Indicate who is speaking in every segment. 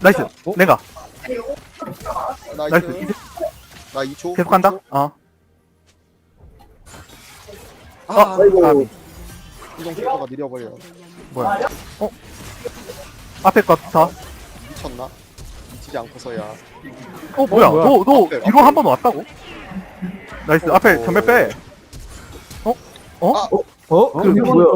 Speaker 1: 나이스. 내가. 나이스.
Speaker 2: 나이스. 나 2초.
Speaker 1: 계속 간다. 어.
Speaker 2: 아,
Speaker 1: 까비.
Speaker 2: 이동 속도가 느려버려.
Speaker 1: 뭐야? 앞에 거 다.
Speaker 2: 미쳤나? 미치지 않고서야.
Speaker 1: 뭐야?
Speaker 3: 뭐야?
Speaker 1: 너
Speaker 2: 앞에,
Speaker 1: 이거 한 번 왔다고? 나이스. 앞에 전멸 빼.
Speaker 2: 아,
Speaker 3: 이게 뭐야?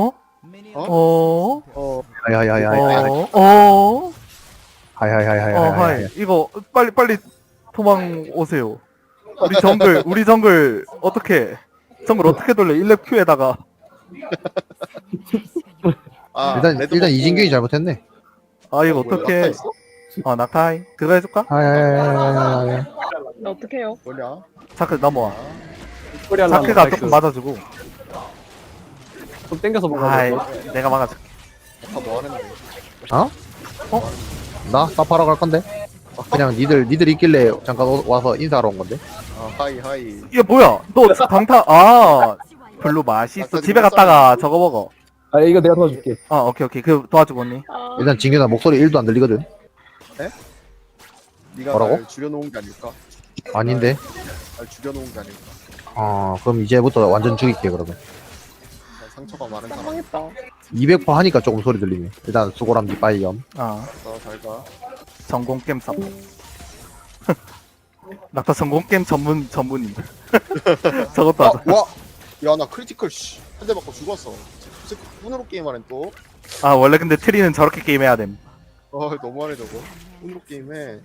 Speaker 4: 하이하이하이하이.
Speaker 1: 하이.
Speaker 4: 하이하이하이하이.
Speaker 1: 이거 빨리 도망 오세요. 우리 정글 어떻게? 정글 어떻게 돌려? 1렙 Q에다가.
Speaker 2: 아,
Speaker 4: 일단 이진경이 잘못했네.
Speaker 1: 아 이거
Speaker 2: 뭐야,
Speaker 1: 어떻게?
Speaker 2: 낙타 있어?
Speaker 1: 낙타이. 그거 해줄까?
Speaker 4: 하이하이하이하이.
Speaker 5: 나 어떻게 해요?
Speaker 2: 뭐냐?
Speaker 1: 자크 넘어와.
Speaker 3: 소리 하려고
Speaker 1: 자크가
Speaker 3: 나이스.
Speaker 1: 조금 맞아주고.
Speaker 3: 좀 땡겨서
Speaker 1: 아이
Speaker 3: 먹어.
Speaker 1: 내가 막아줄게.
Speaker 2: 다 뭐 하는데?
Speaker 4: 나 사파러 갈 건데. 그냥 니들 있길래 잠깐 와서 인사하러 온 건데.
Speaker 2: 아, 하이.
Speaker 1: 이게 뭐야? 너 강타 별로 맛있어. 집에 갔다가 저거 먹어.
Speaker 3: 아 이거 내가 도와줄게.
Speaker 1: 오케이. 그 도와주고 언니.
Speaker 5: 아,
Speaker 4: 일단 진규나 목소리 1도 안 들리거든.
Speaker 2: 네가
Speaker 4: 뭐라고?
Speaker 2: 날 줄여놓은 게 아닐까?
Speaker 4: 아닌데.
Speaker 2: 날 줄여놓은 게 아닐까?
Speaker 4: 그럼 이제부터 완전 죽일게 그러면.
Speaker 2: 난 상처가 많은 사람.
Speaker 5: 깜망했다.
Speaker 4: 200% 하니까 조금 소리 들리네. 일단 수고람 니빠이염.
Speaker 2: 잘 가.
Speaker 1: 전공 게임 삽. 낙타 전공 게임 전문인. 저것도 하자.
Speaker 2: 와! 야, 나 크리티컬, 한 대 맞고 죽었어. 그 새끼 운으로 게임하네, 또.
Speaker 1: 원래 근데 트리는 저렇게 게임해야 됨.
Speaker 2: 너무하네, 저거. 운으로 게임해.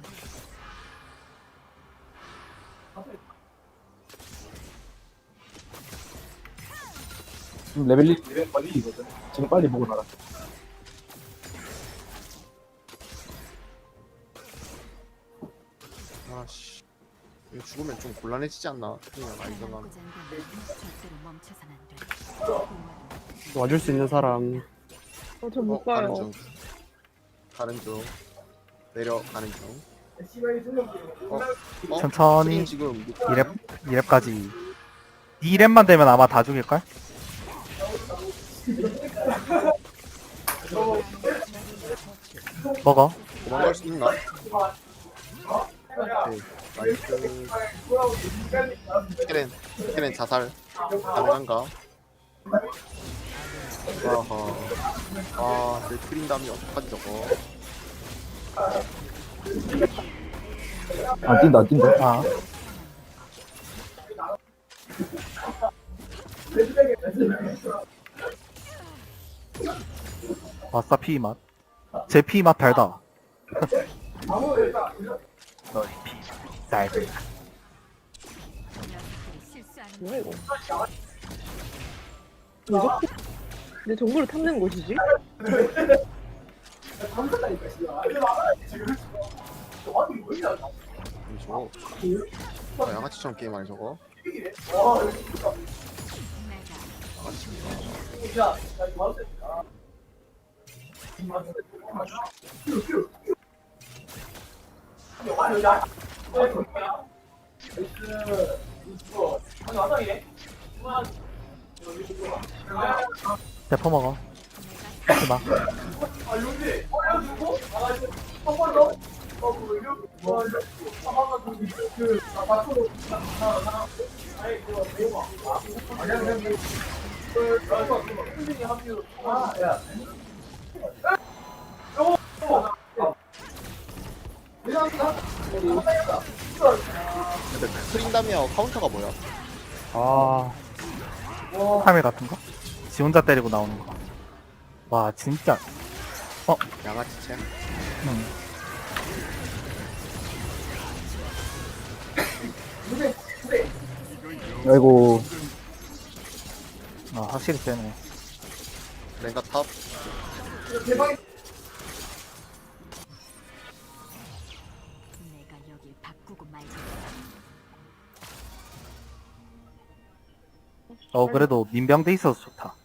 Speaker 3: 지금 레벨이 빨리거든. 지금 빨리 보고 나가.
Speaker 2: 아씨. 이거 죽으면 좀 곤란해지지 않나? 그냥 아이들만.
Speaker 3: 와줄 수 있는 사람.
Speaker 5: 저 못 가요.
Speaker 2: 가는 중. 가는 중. 내려가는 중.
Speaker 1: 천천히.
Speaker 2: 트림 지금
Speaker 1: 2렙까지. 2렙만 되면 아마 다 죽일걸? 먹어.
Speaker 2: 도망갈 수 있나? 오케이. 나이스. 케렌 자살 가능한가? 아하. 내 트림 담이 어떡하지 저거?
Speaker 3: 안 뛴다.
Speaker 1: 아싸 피맛. 제 피맛 달다. 너희 피맛 달다.
Speaker 5: 뭐야 이거? 왜 저렇게 내 정보를 탐내는 곳이지?
Speaker 2: 저거 양아치처럼 게임하네 저거.
Speaker 1: 대포 먹어. 하지 마.
Speaker 2: 근데 트림 담이야 카운터가 뭐야?
Speaker 1: 카메 같은 거? 지 혼자 때리고 나오는 거. 와 진짜.
Speaker 2: 양아치챔?
Speaker 1: 응.
Speaker 3: 아이고.
Speaker 1: 확실히 세네.
Speaker 2: 랭가 탑?
Speaker 6: 내가 여길 바꾸고 말고
Speaker 1: 그래도 민병돼 있어서 좋다.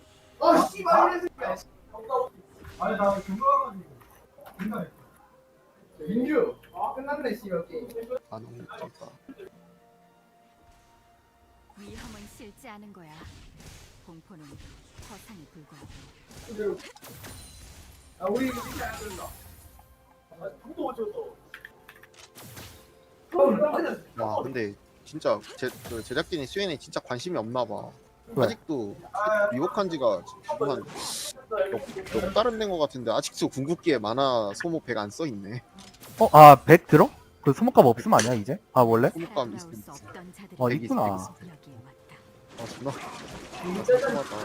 Speaker 2: 아 너무 미쳤다.
Speaker 6: 위험은 싫지 않은 거야. 공포는 허상에 불과하고.
Speaker 2: 와 근데 진짜 그 제작진이 스웨인에 진짜 관심이 없나 봐.
Speaker 1: 왜?
Speaker 2: 아직도 미국한 지가 지금 몇 달은 된 것 같은데 아직도 궁극기에 만화 소모 100 안 써 있네.
Speaker 1: 아, 100 들어? 그 소모값 없으면 아니야, 이제? 아, 원래?
Speaker 2: 소모감
Speaker 6: 살아나올
Speaker 2: 있음.
Speaker 6: 수 없던 자들이
Speaker 1: 어,
Speaker 2: 백이
Speaker 1: 있구나.
Speaker 6: 여기에 왔다.
Speaker 2: 아 존나 궁금하다.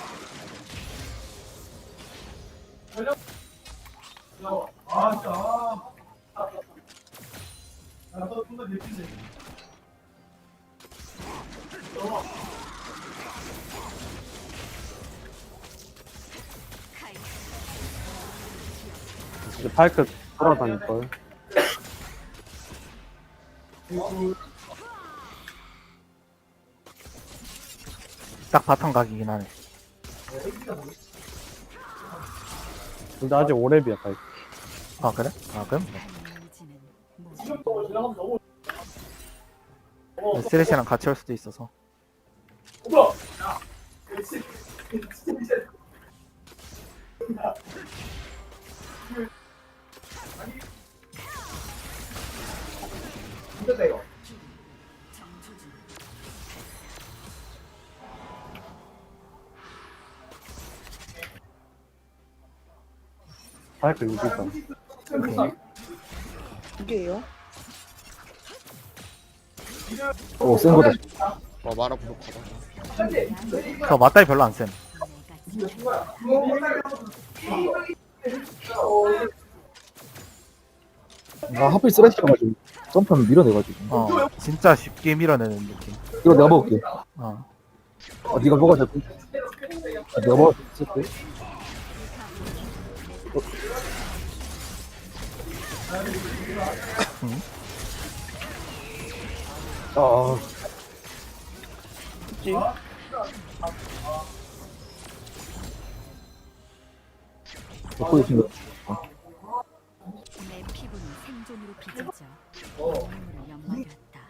Speaker 3: 이제 파이크 돌아다닐걸.
Speaker 1: 딱 바탕 각이긴 하네.
Speaker 3: 근데 아직 5렙이야 파이크.
Speaker 1: 아, 그래? 아, 그럼?
Speaker 6: 의지는 모두
Speaker 1: 쓰레시랑 같이 할 수도 있어서.
Speaker 3: 파이크 6이다.
Speaker 1: 오케이.
Speaker 5: 이게요?
Speaker 3: 오, 센 거다.
Speaker 2: 와 만화 부족하다.
Speaker 1: 저 맞다이 별로 안 쌤.
Speaker 6: 내가 지켜야
Speaker 3: 아, 하필 쓰레쉬가 가지고 점프하면 밀어내가지고.
Speaker 1: 어, 진짜 쉽게 밀어내는 느낌.
Speaker 3: 이거 내가 먹을게.
Speaker 1: 어.
Speaker 3: 네가 먹어줘. 내가 먹을 수 있을 때. 아,
Speaker 5: 그치?
Speaker 3: 먹고 있는 거.
Speaker 6: 내 피부는 생존으로 빚어져 눈물을 연마되었다.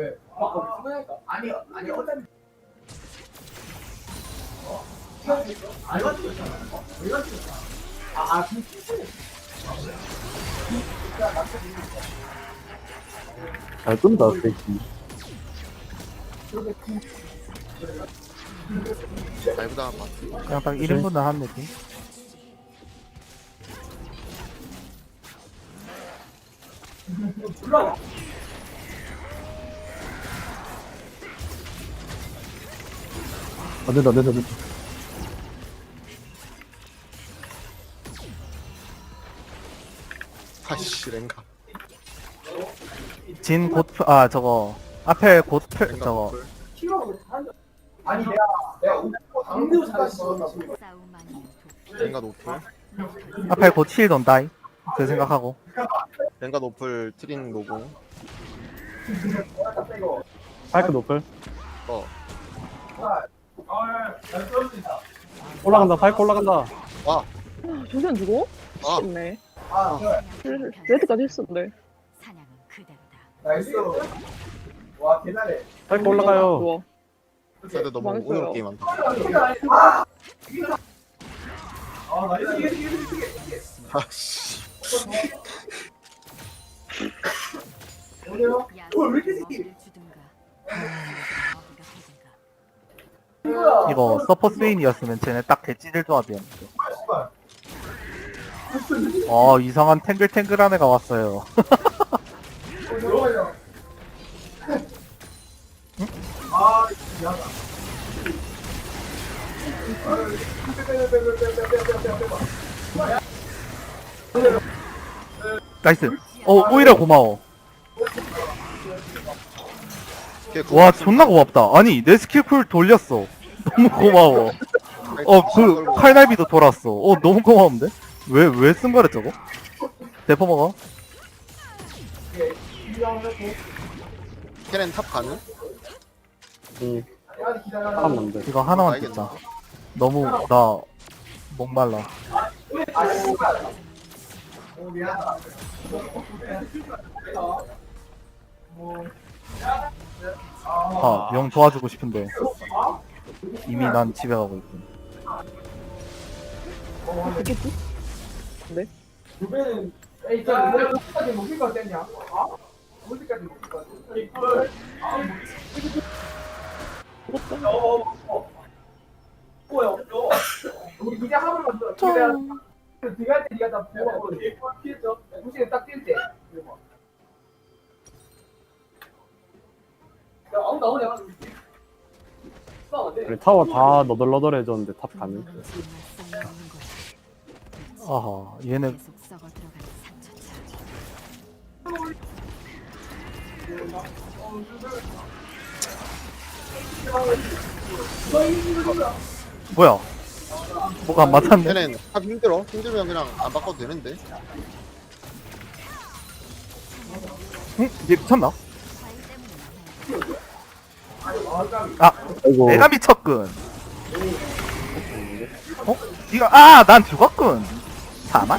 Speaker 3: 잘 끈다, 스테이키.
Speaker 2: 라이브 당한 것 같아.
Speaker 1: 그냥 딱 1인분을 한 느낌?
Speaker 3: 안 된다, 안 된다, 안 된다.
Speaker 2: 아씨 랭가.
Speaker 1: 진 곧, 아, 저거. 앞에 곧,
Speaker 2: 랭가
Speaker 1: 저거.
Speaker 2: 노플.
Speaker 6: 싸움 아니면
Speaker 2: 랭가 노플.
Speaker 1: 앞에 곧 힐 돈다이. 그 생각하고.
Speaker 2: 랭가 노플 트린 노공.
Speaker 3: 파이크 노플.
Speaker 2: 어.
Speaker 3: 올라간다, 파이크 올라간다.
Speaker 2: 와.
Speaker 5: 아, 조선 죽어?
Speaker 2: 아.
Speaker 5: 쉽네. 레드까지 했었는데.
Speaker 6: 사냥은 그대로다.
Speaker 3: 파이크 올라가요.
Speaker 5: 좋아.
Speaker 2: 근데 너무
Speaker 5: 망했어요.
Speaker 2: 오늘 게임 한다. 아씨.
Speaker 6: 야수는 먹이를 주든가 먹이가 되든가.
Speaker 1: 이거 서퍼 스웨인이었으면 쟤네 딱 개찌들 조합이었는데. 이상한 탱글탱글한 애가 왔어요. 나이스. 오히려 고마워. 와, 존나 고맙다. 아니, 내 스킬풀 돌렸어. 너무 고마워. 그, 칼날비도 돌았어. 너무 고마운데? 왜 쓴 거래, 저거? 대포 먹어.
Speaker 2: 캐렌 탑 가능?
Speaker 3: 응. 하면 돼.
Speaker 1: 이거 하나만 듣자. 너무, 나, 목말라. 용 도와주고 싶은데. 이미 난 집에 가고 있군.
Speaker 5: 됐겠지? 네?
Speaker 7: 그래, 타워 다 너덜너덜해졌는데 탑 가능.
Speaker 6: 정말 썩는 거야.
Speaker 1: 아하, 얘네
Speaker 6: 계속 썩어 들어가는 상처차.
Speaker 1: 뭐야? 뭐가 안 맞았네.
Speaker 2: 걔는 탑 힘들어. 힘들면 그냥 안 바꿔도 되는데.
Speaker 1: 응? 얘 미쳤나? 아,
Speaker 3: 아이고.
Speaker 1: 내가 미쳤군. 어? 니가 난 죽었군. 사만?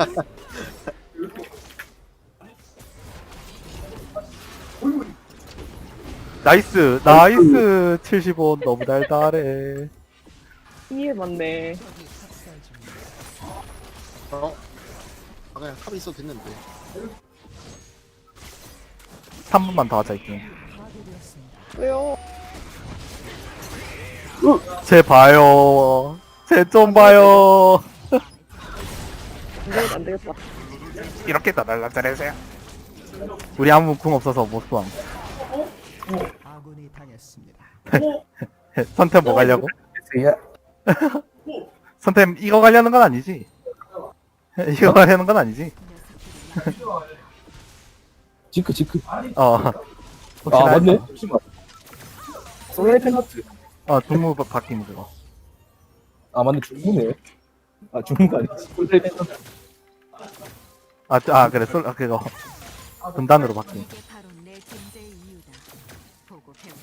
Speaker 1: 나이스 75 너무 달달해.
Speaker 5: 이해 맞네.
Speaker 2: 어? 아, 그냥 탑에 있어도 됐는데.
Speaker 1: 3분만 더 하자 이게.
Speaker 5: 왜요?
Speaker 1: 쟤 봐요. 쟤 좀 봐요.
Speaker 5: 안 되겠다.
Speaker 1: 이렇게 더 날라잘해서요. 우리 아무 궁 없어서 못 쏘함.
Speaker 8: 아군이 당했습니다.
Speaker 1: 선템 뭐 가려고?
Speaker 3: 야,
Speaker 1: 선템 이거 가려는 건 아니지? 이거 가려는 건 아니지?
Speaker 3: 지크.
Speaker 1: 어.
Speaker 3: 아,
Speaker 1: 혹시나
Speaker 3: 맞네.
Speaker 1: 해서.
Speaker 3: 잠시만. 솔라이팬 하트.
Speaker 1: 동무 바뀌는 그거.
Speaker 3: 아, 맞네. 중무네. 아, 중무가 아니지. 솔라이팬 하트.
Speaker 1: 그래, 그거. 분단으로 바뀐.
Speaker 6: 이게 바로 내 존재의 이유다. 보고 배워.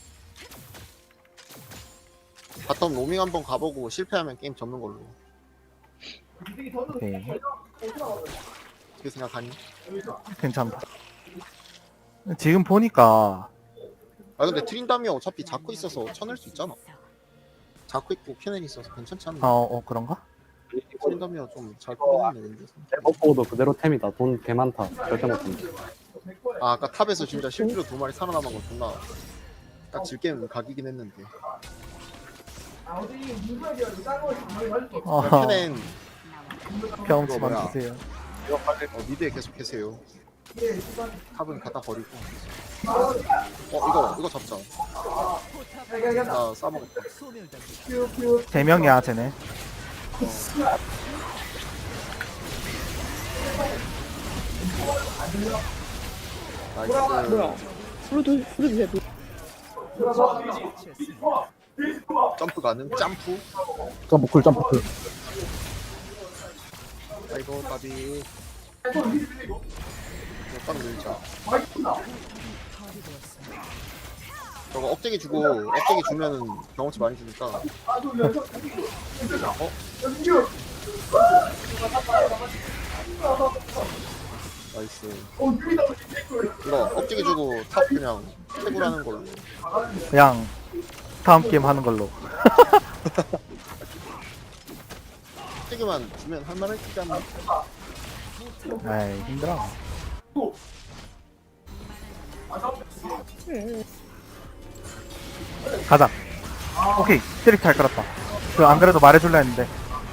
Speaker 2: 바텀 로밍 한번 가보고 실패하면 게임 접는 걸로.
Speaker 1: 오케이.
Speaker 2: 어떻게 생각하니?
Speaker 1: 괜찮다. 지금 보니까,
Speaker 2: 아 근데 트린다미 어차피 자꾸 있어서 쳐낼 수 있잖아. 자꾸 있고 캐넬이 있어서 괜찮지 않나?
Speaker 1: 그런가?
Speaker 2: 트린다미가 좀 잘 꾸미네 근데.
Speaker 7: 먹고도 그대로 템이다. 돈 개 많다. 절대 못한다.
Speaker 2: 아 아까 탑에서 진짜 실제로 2마리 살아남은 거 존나 딱 질게임 각이긴 했는데. 캐넨
Speaker 1: 경험치만
Speaker 2: 뭐야.
Speaker 1: 주세요.
Speaker 2: 미드에 계속 계세요. 탑은 갖다 버리고. 이거 잡자. 나 싸먹었다.
Speaker 8: 소멸됩니다.
Speaker 1: 3명이야, 쟤네.
Speaker 2: 나이스.
Speaker 5: 뭐야? 부르주세요.
Speaker 2: 점프 가능? 점프?
Speaker 3: 점프쿨.
Speaker 2: 아이고 까비. 딱 밀자. 저거 억제기 주면은 경험치 많이 주니까. 나이스. 이거 억제기 주고 탑 그냥 채굴하는 걸로.
Speaker 1: 그냥, 다음 게임 하는 걸로.
Speaker 2: 억제기만 주면 할만했지 않나?
Speaker 1: 에이, 힘들어. 가자. 오케이, 트릭 잘 끌었다. 안 그래도 말해줄라 했는데.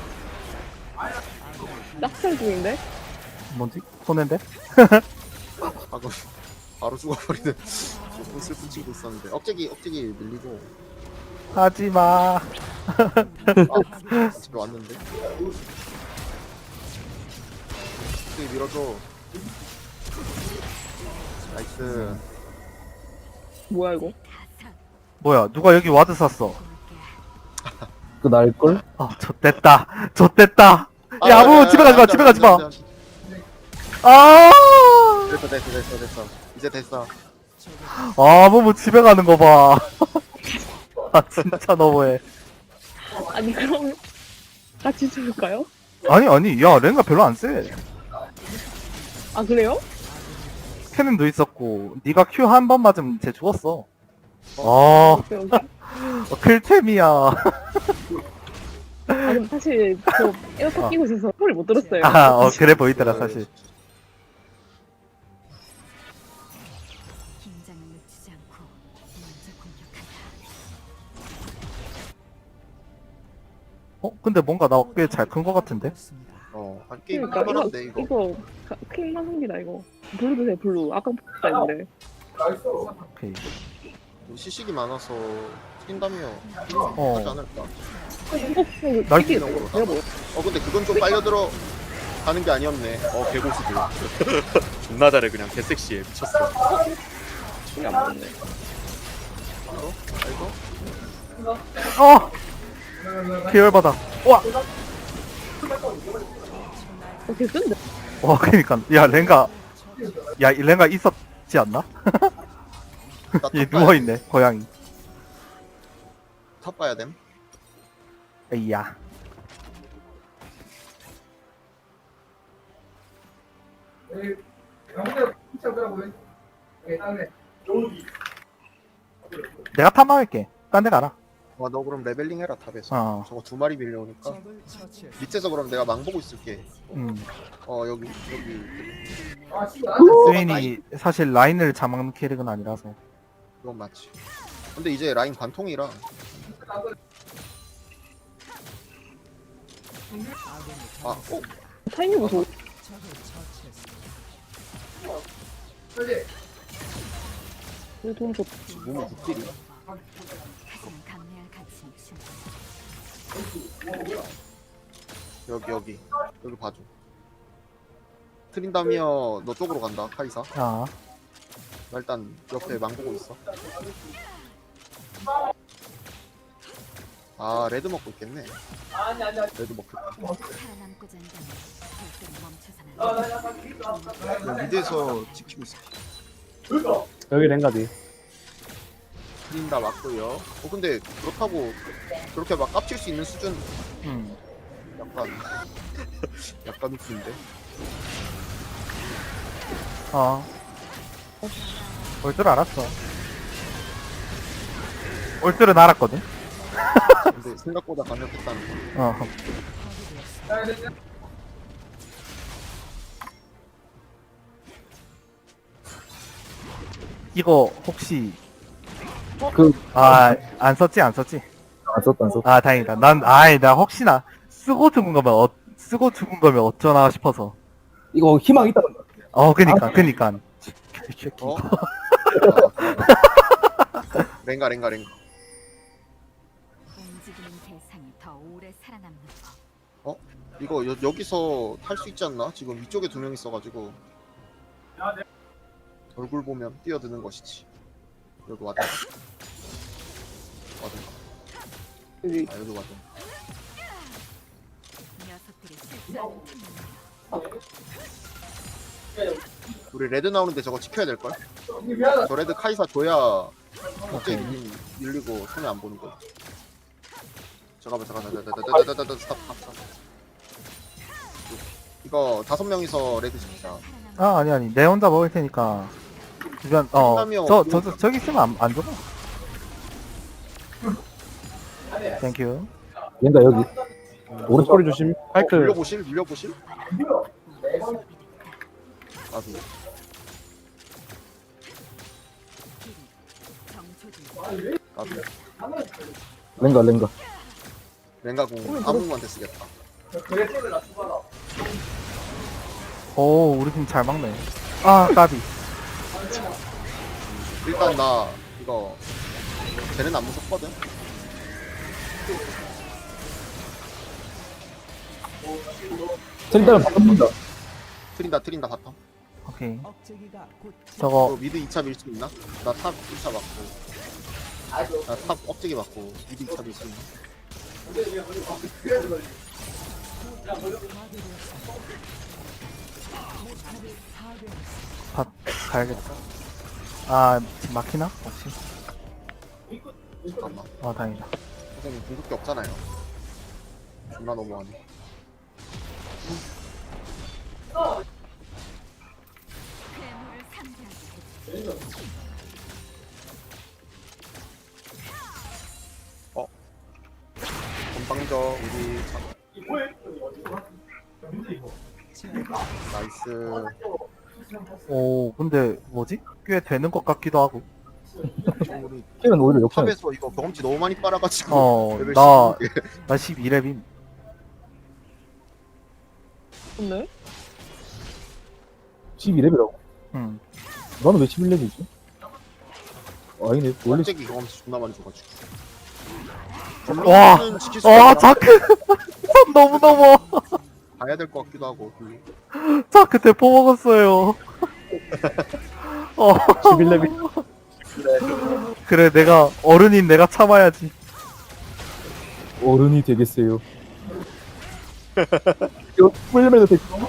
Speaker 5: 낙찰 중인데?
Speaker 1: 뭐지? 손해인데?
Speaker 2: 방금 바로 죽어버리는 조금 슬픈 친구 있었는데 억제기 밀리고.
Speaker 1: 하지마.
Speaker 2: 집에 왔는데. 억제기 밀어줘. 나이스.
Speaker 5: 뭐야 이거?
Speaker 1: 뭐야, 누가 여기 와드 샀어?
Speaker 3: 그 날걸?
Speaker 1: 좆됐다. 야, 아무 집에 가지 마. 아,
Speaker 2: 됐어. 이제 됐어.
Speaker 1: 아무 집에 가는 거 봐. 아, 진짜 너무해.
Speaker 5: 아니 그럼 같이 죽을까요?
Speaker 1: 아니, 야, 랭가 별로 안 세.
Speaker 5: 아 그래요?
Speaker 1: 캐넨도 있었고, 네가 Q 한 번 맞으면 쟤 죽었어.
Speaker 5: 오케이.
Speaker 1: 클템이야.
Speaker 5: 아 근데 사실 저 에어팟 끼고 있어서 소리 못 들었어요.
Speaker 1: 그래 보이더라, 사실. 근데 뭔가 나 꽤 잘 큰 거 같은데?
Speaker 2: 게임
Speaker 5: 그러니까
Speaker 2: 할만한데 이거.
Speaker 5: 이거 킹만 합니다 이거. 블루 드세요 블루. 아까 뽑다 했는데.
Speaker 1: 오케이.
Speaker 2: 시식이 많아서 튄다며
Speaker 1: 어.
Speaker 2: 하지 않을까.
Speaker 5: 이거
Speaker 1: 날-
Speaker 5: 이게 내가 뭐
Speaker 2: 근데 그건 좀 빨려 들어 가는 게 아니었네. 개고수들. 존나 잘해 그냥 개섹시해 미쳤어.
Speaker 5: 이게 안 맞네.
Speaker 1: 계열받아. 와!
Speaker 5: 되게 쓴데.
Speaker 1: 와, 그니까. 야, 랭가. 야, 이 랭가 있었지 않나? 얘 누워있네, 고양이.
Speaker 2: 탑 봐야 됨.
Speaker 1: 에이야. 내가 탐방할게. 딴 데 가라.
Speaker 2: 너 그럼 레벨링 해라 탑에서.
Speaker 1: 어.
Speaker 2: 저거 2마리 밀려오니까.
Speaker 8: 적을 처치했습니다.
Speaker 2: 밑에서 그럼 내가 망 보고 있을게.
Speaker 1: 음.
Speaker 2: 여기.
Speaker 1: 스윈이 사실 라인을 잡는 캐릭은 아니라서.
Speaker 2: 그건 맞지. 근데 이제 라인 관통이라.
Speaker 5: 타이밍 보소.
Speaker 8: 적을 처치했습니다.
Speaker 5: 이거 돈 줬.
Speaker 2: 몸이 붓길이.
Speaker 6: 가장 강렬한 가치
Speaker 2: 여기 봐줘. 트린다미어 너 쪽으로 간다 카이사.
Speaker 1: 아.
Speaker 2: 나 일단 옆에 망 보고 있어. 레드 먹고 있겠네. 레드 먹겠다.
Speaker 6: 살아남고자 한다면 절대로 멈춰서는 안 돼.
Speaker 2: 미드에서 지키고 있어.
Speaker 7: 여기 랭가디.
Speaker 2: 트린다 맞고요. 근데 그렇다고 그렇게 막 깝칠 수 있는 수준 약간 약간 웃긴데.
Speaker 1: 올 줄 알았어. 올 줄은 알았거든.
Speaker 2: 근데 생각보다 강력했다는 거.
Speaker 1: 어. 이거 혹시 안 썼지?
Speaker 3: 안 썼다.
Speaker 1: 아, 다행이다. 나 혹시나 쓰고 죽은 거면 어쩌나 싶어서.
Speaker 3: 이거 희망 있다.
Speaker 1: 그니까. 새끼.
Speaker 2: 랭가.
Speaker 6: 움직이는 대상이 더 오래 살아남는 법.
Speaker 2: 이거 여기서 탈 수 있지 않나? 지금 위쪽에 2명 있어가지고 얼굴 보면 뛰어드는 것이지. 여기 와든.
Speaker 5: 여기
Speaker 2: 여기 와든.
Speaker 6: 녀석들이 실수하는 틈만
Speaker 2: 우리 레드 나오는데 저거 지켜야 될 걸. 저 레드 카이사 줘야 갑자기 밀리고 손에 안 보는 거야. 잠깐만. 스탑. 이거 5명이서 레드 지키자.
Speaker 1: 아니. 내 혼자 먹을 테니까. 주변, 저기 있으면 안 줘봐. 땡큐.
Speaker 3: 랭가 여기.
Speaker 7: 오른쪽 꼬리 조심. 파이크.
Speaker 2: 물려보실? 나도.
Speaker 6: 정초진
Speaker 2: 나도.
Speaker 3: 랭가.
Speaker 2: 랭가공 아무한테 쓰겠다.
Speaker 1: 오, 우리 팀 잘 막네. 까비.
Speaker 2: 일단 나 이거 쟤는 안 무섭거든.
Speaker 3: 트린다면 바꿔 본다.
Speaker 2: 트린다 바텀.
Speaker 1: 오케이.
Speaker 8: 억제기가 곧
Speaker 1: 저거,
Speaker 2: 미드 2차 밀 수 있나? 나 탑 2차 맞고. 나 탑 억제기 맞고 미드 2차 밀 수 있나?
Speaker 1: 가야겠다. 지금 막히나? 혹시?
Speaker 2: 잠깐만.
Speaker 1: 다행이다.
Speaker 2: 선생님 궁극기 없잖아요. 존나 너무하네.
Speaker 6: 괴물을 상대하게
Speaker 2: 건방져 우리. 나이스.
Speaker 1: 오, 근데 뭐지? 꽤 되는 것 같기도 하고.
Speaker 2: 우리
Speaker 3: 킬은 오히려 역전.
Speaker 2: 탑에서 이거 경험치 너무 많이 빨아가지고 레벨
Speaker 1: 나
Speaker 2: 16개.
Speaker 1: 12렙임.
Speaker 5: 근데?
Speaker 3: 12레벨이라고?
Speaker 1: 응.
Speaker 3: 나는 왜 11레벨이지? 아니네 원래
Speaker 2: 갑자기 경험치 존나 많이 줘가지고.
Speaker 1: 와.
Speaker 2: 블루는 지킬 수
Speaker 1: 와,
Speaker 2: 있나?
Speaker 1: 자크. 선 너무 넘어.
Speaker 2: 봐야 될 것 같기도 하고. 블루.
Speaker 1: 자크 대포 먹었어요.
Speaker 7: 11레벨.
Speaker 1: 그래, 내가, 어른인 내가 참아야지.
Speaker 3: 어른이 되겠어요. 이거 11레벨도 됐고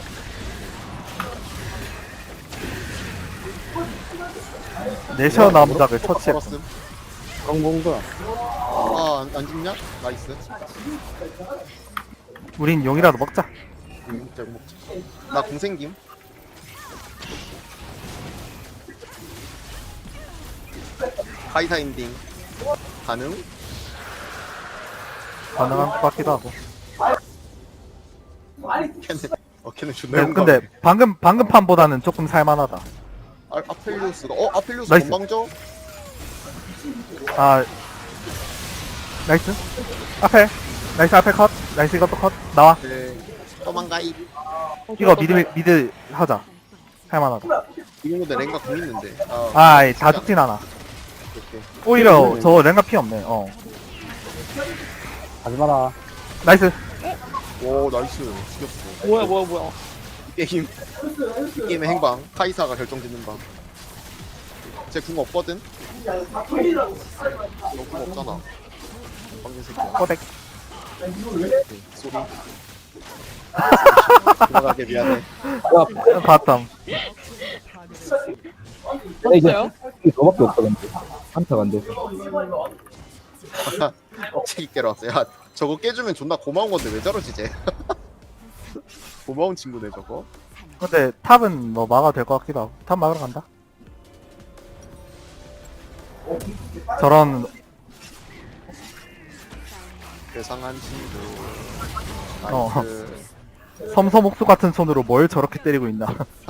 Speaker 1: 내셔 남작을 처치했어.
Speaker 2: 걸었음.
Speaker 7: 그런 건가?
Speaker 2: 안 죽냐? 나이스.
Speaker 1: 우린 용이라도 먹자.
Speaker 2: 먹자, 먹자. 나 공생김. 카이사 엔딩. 가능?
Speaker 1: 가능한 것 같기도 하고.
Speaker 2: 걔는 존나
Speaker 1: 네, 근데 방금 판보다는 조금 살만하다.
Speaker 2: 아펠리우스가 아펠리우스
Speaker 1: 나이스.
Speaker 2: 건방져?
Speaker 1: 아, 나이스. 앞에. 나이스, 앞에 컷. 나이스, 이것도 컷. 나와.
Speaker 2: 네. 도망가이.
Speaker 1: 이거 미드 하자. 할만하다.
Speaker 2: 지금 근데 랭가 공 있는데.
Speaker 1: 아이, 다 죽진 않아.
Speaker 2: 오케이.
Speaker 1: 오히려 저 랭가 피 없네. 어.
Speaker 7: 가지 마라.
Speaker 1: 나이스.
Speaker 2: 오 나이스. 죽였어.
Speaker 5: 뭐야.
Speaker 2: 이 게임의 행방. 카이사가 결정짓는 방. 제 궁 없거든? 너 궁 없잖아. 방금 새끼야.
Speaker 1: 꼬댁.
Speaker 2: 오케이, 소리. 들어가게 미안해.
Speaker 1: 바텀.
Speaker 3: 이제
Speaker 5: 어때요?
Speaker 3: 이게 너밖에 없다 근데 한타가 안 돼서
Speaker 2: 억제기 깨러 왔어. 야 저거 깨주면 존나 고마운 건데 왜 저러지 쟤? 고마운 친구네 저거.
Speaker 1: 근데 탑은 뭐 막아도 될 것 같기도 하고. 탑 막으러 간다. 저런
Speaker 2: 괴상한 친구.
Speaker 1: 어.
Speaker 2: 나이스.
Speaker 1: 섬섬옥수 같은 손으로 뭘 저렇게 때리고 있나.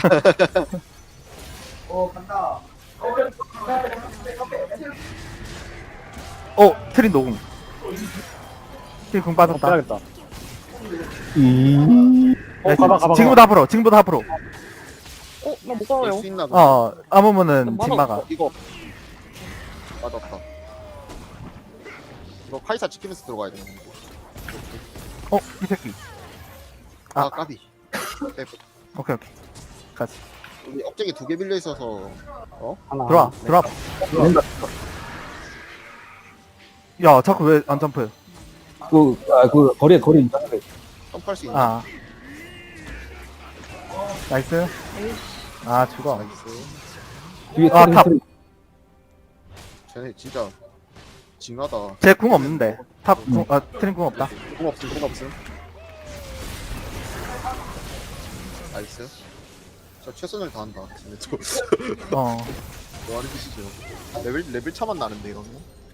Speaker 1: 트린 노궁. 트린 궁 빠졌다.
Speaker 7: 빼야겠다.
Speaker 1: 나이스.
Speaker 7: 가봐.
Speaker 1: 지금부터 앞으로.
Speaker 5: 나 못 가요.
Speaker 2: 수 있나 보다.
Speaker 1: 아무면은 집 막아.
Speaker 2: 이거 맞았다. 이거 카이사 지키면서 들어가야 되는 건데.
Speaker 1: 이 새끼.
Speaker 2: 아 까비. 네,
Speaker 1: 오케이. 가지.
Speaker 2: 우리 억제기 2개 빌려 있어서
Speaker 7: 하나.
Speaker 1: 들어와. 야, 자꾸 왜 안 점프?
Speaker 3: 그 거리 있잖아
Speaker 2: 점프할 수 있는.
Speaker 1: 아. 나이스. 아, 죽어.
Speaker 2: 나이스.
Speaker 3: 뒤에
Speaker 1: 아, 탑.
Speaker 2: 쟤네 진짜 징하다.
Speaker 1: 제 궁 없는데. 트린 궁 없다.
Speaker 2: 궁 없음. 나이스. 저 최선을 다한다. 쟤네 또 뭐 하는 짓이죠? 레벨 차만 나는데 이러면.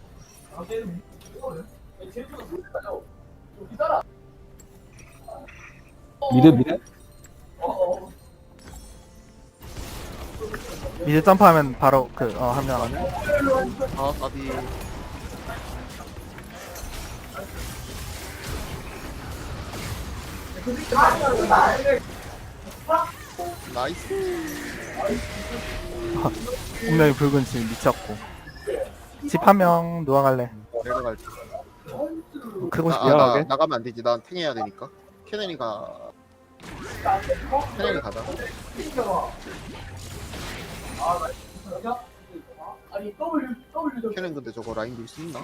Speaker 3: 미드
Speaker 1: 이제 점프하면 바로 합류하네.
Speaker 2: 아 까비. 나이스.
Speaker 1: 분명히 붉은 집 미쳤고. 집 한 명 누워갈래.
Speaker 2: 내가 갈게.
Speaker 1: 크고 싶
Speaker 7: 미안하게.
Speaker 2: 나가면 안 되지. 난 탱해야 되니까. 케넨이가 가자. 케넨 근데 저거 라인 밀 수 있나?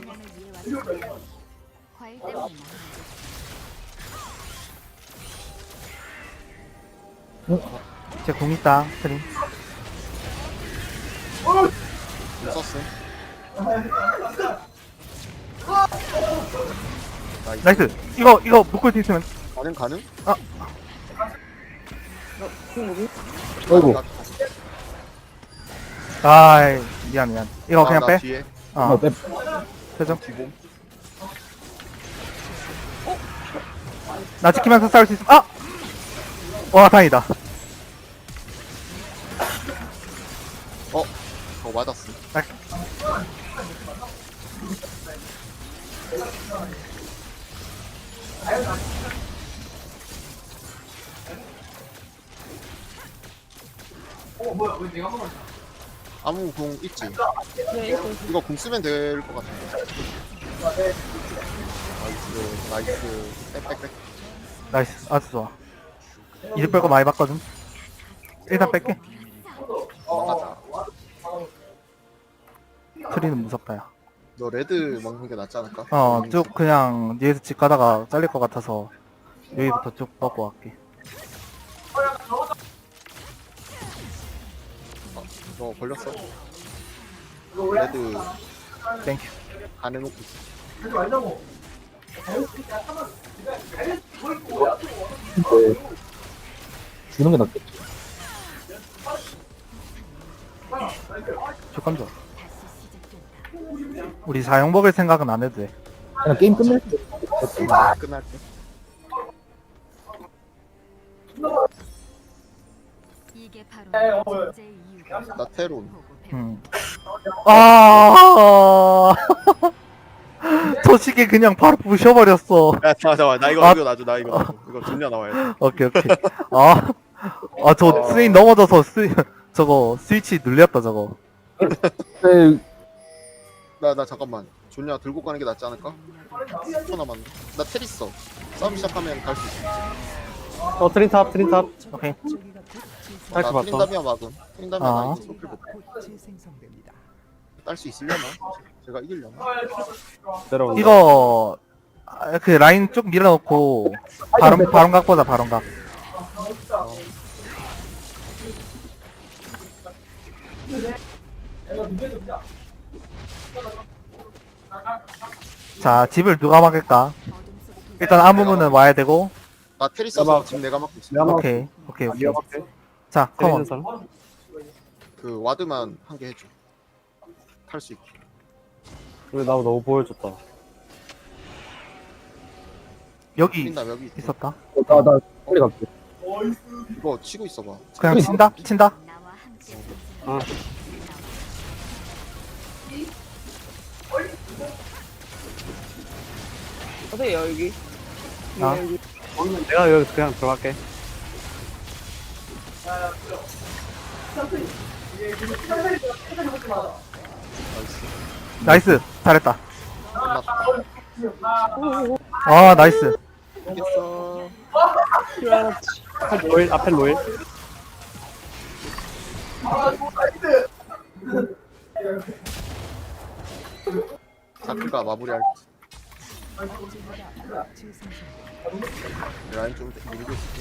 Speaker 6: 과일 때문이나.
Speaker 1: 제궁 있다. 트린.
Speaker 2: 못 썼음.
Speaker 1: 나이스. 이거 묶을 수 있으면.
Speaker 2: 가능?
Speaker 3: 어이구
Speaker 1: 아이, 미안. 이거 그냥
Speaker 2: 나
Speaker 1: 빼.
Speaker 2: 뒤에
Speaker 3: 빼.
Speaker 1: 표정.
Speaker 2: 뒤봄.
Speaker 1: 나 지키면서 싸울 수 있음. 와, 다행이다.
Speaker 2: 맞았음. 아무 궁 있지?
Speaker 5: 네, 있어.
Speaker 2: 이거 궁 쓰면 될 것 같은데. 나이스, 나이스. 빽빽빽.
Speaker 1: 나이스. 아주 좋아. 이득 뺄거 많이 봤거든. 일단 뺄게.
Speaker 2: 도망가자.
Speaker 1: 트리는 무섭다, 야.
Speaker 2: 너 레드 먹는 게 낫지 않을까?
Speaker 1: 쭉 그냥 뒤에서 집 가다가 잘릴 것 같아서 여기부터 쭉 먹고 갈게.
Speaker 2: 너 걸렸어? 레드
Speaker 1: 땡큐.
Speaker 2: 안 해놓고 있어.
Speaker 3: 근데 주는 게 낫겠지.
Speaker 1: 조건 줘. 우리 사용 먹을 생각은 안 해도 돼.
Speaker 3: 그냥 게임 끝낼 때
Speaker 2: 끝날 때.
Speaker 6: 이게 바로 존재의 이유가
Speaker 2: 나 테론.
Speaker 1: 아, 저 시계 그냥 바로 부셔버렸어.
Speaker 2: 야, 잠깐만. 나 이거,
Speaker 1: 아.
Speaker 2: 이거 놔줘. 나 이거 놔줘. 이거 존냐 나와야 돼.
Speaker 1: 오케이, 오케이. 저 스윙 넘어져서 저거 스위치 눌렸다, 저거.
Speaker 3: 네,
Speaker 2: 나 잠깐만. 존냐 들고 가는 게 낫지 않을까? 10초 남았네. 나 텔 있어. 싸움 시작하면 갈 수 있어.
Speaker 7: 트린탑 트린탑.
Speaker 1: 오케이.
Speaker 8: 저기가 곧
Speaker 7: 탈출
Speaker 2: 나
Speaker 7: 봤어.
Speaker 2: 트린다미아 막음. 트린다미아
Speaker 1: 아.
Speaker 2: 나 이거 소필 못.
Speaker 8: 재생성됩니다.
Speaker 2: 딸 수 있으려나? 제가 이기려나?
Speaker 7: 내려온다.
Speaker 1: 이거, 그 라인 쭉 밀어놓고, 바론각 보자, 바론각. 자, 집을 누가 막을까? 일단 아무문은 와야 되고,
Speaker 2: 나 텔 있어서 지금 내가 막고 있어.
Speaker 7: 내가 막
Speaker 1: 오케이, 오케이, 오케이.
Speaker 7: 위험할게.
Speaker 1: 자,
Speaker 7: 때리는
Speaker 1: 컴온.
Speaker 7: 사람.
Speaker 2: 그 와드만 한 개 해줘. 탈 수 있게.
Speaker 7: 근데 나 너무 보여줬다.
Speaker 1: 여기
Speaker 2: 트린다미아 여기 있어.
Speaker 1: 있었다.
Speaker 3: 나 빨리 갈게.
Speaker 2: 이거 치고 있어봐.
Speaker 1: 그냥 친다? 친다?
Speaker 6: 나와 함께
Speaker 7: 아.
Speaker 5: 어떻게 여기?
Speaker 1: 아.
Speaker 5: 여기.
Speaker 7: 내가 여기 그냥 들어갈게.
Speaker 1: 나이스. 잘했다.
Speaker 2: 끝났다.
Speaker 1: 아, 나이스.
Speaker 2: 이겼어.
Speaker 5: 그렇지.
Speaker 7: 앞에 로일 앞에 로일.
Speaker 2: 자크가 마무리할
Speaker 8: 저기가 곧 재생성됩니다.
Speaker 2: 라인 좀 밀고 있을게.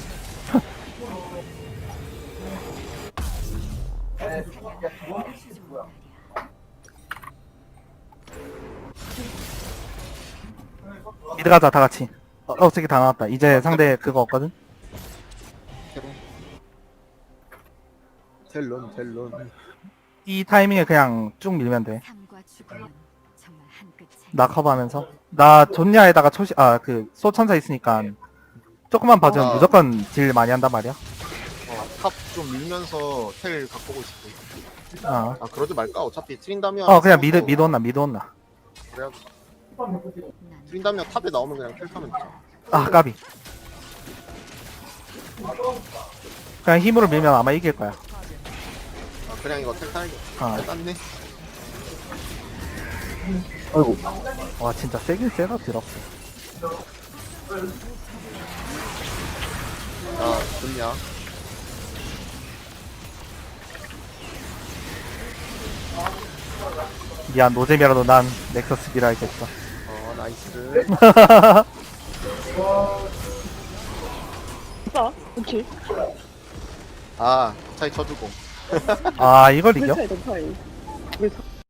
Speaker 1: 미드 가자, 다 같이. 어떻게 다 나왔다. 이제 상대 그거 없거든?
Speaker 2: 텔론 텔론.
Speaker 1: 이 타이밍에 그냥 쭉 밀면 돼.
Speaker 6: 삶과 죽음은 정말 한 끗 차이.
Speaker 1: 나 커버하면서. 나 존야에다가 소천사 있으니까 조금만 봐주면
Speaker 2: 아.
Speaker 1: 무조건 딜 많이 한단 말이야.
Speaker 2: 탑 좀 밀면서 텔 갖고 오고 싶어.
Speaker 1: 어,
Speaker 2: 아 그러지 말까? 어차피 트린다미아.
Speaker 1: 그냥 미드 온나, 미드 온나.
Speaker 2: 그래야
Speaker 6: 난
Speaker 2: 트린다미아 탑에 나오면 그냥 텔 타면 되잖아.
Speaker 1: 아, 까비. 그냥 힘으로 밀면 아마 이길 거야.
Speaker 2: 아 그냥 이거 텔 타야겠다.
Speaker 1: 어.
Speaker 2: 텔 땄네.
Speaker 3: 아이고.
Speaker 1: 와, 진짜 세긴 세다, 드럽.
Speaker 2: 아 좋냐?
Speaker 1: 미안, 노잼이라도 난 넥서스 밀어야겠어.
Speaker 2: 나이스.
Speaker 5: 아, 그렇지.
Speaker 2: 아 차이 쳐주고.
Speaker 1: 아, 이걸 이겨?
Speaker 5: 차이, 더 차이.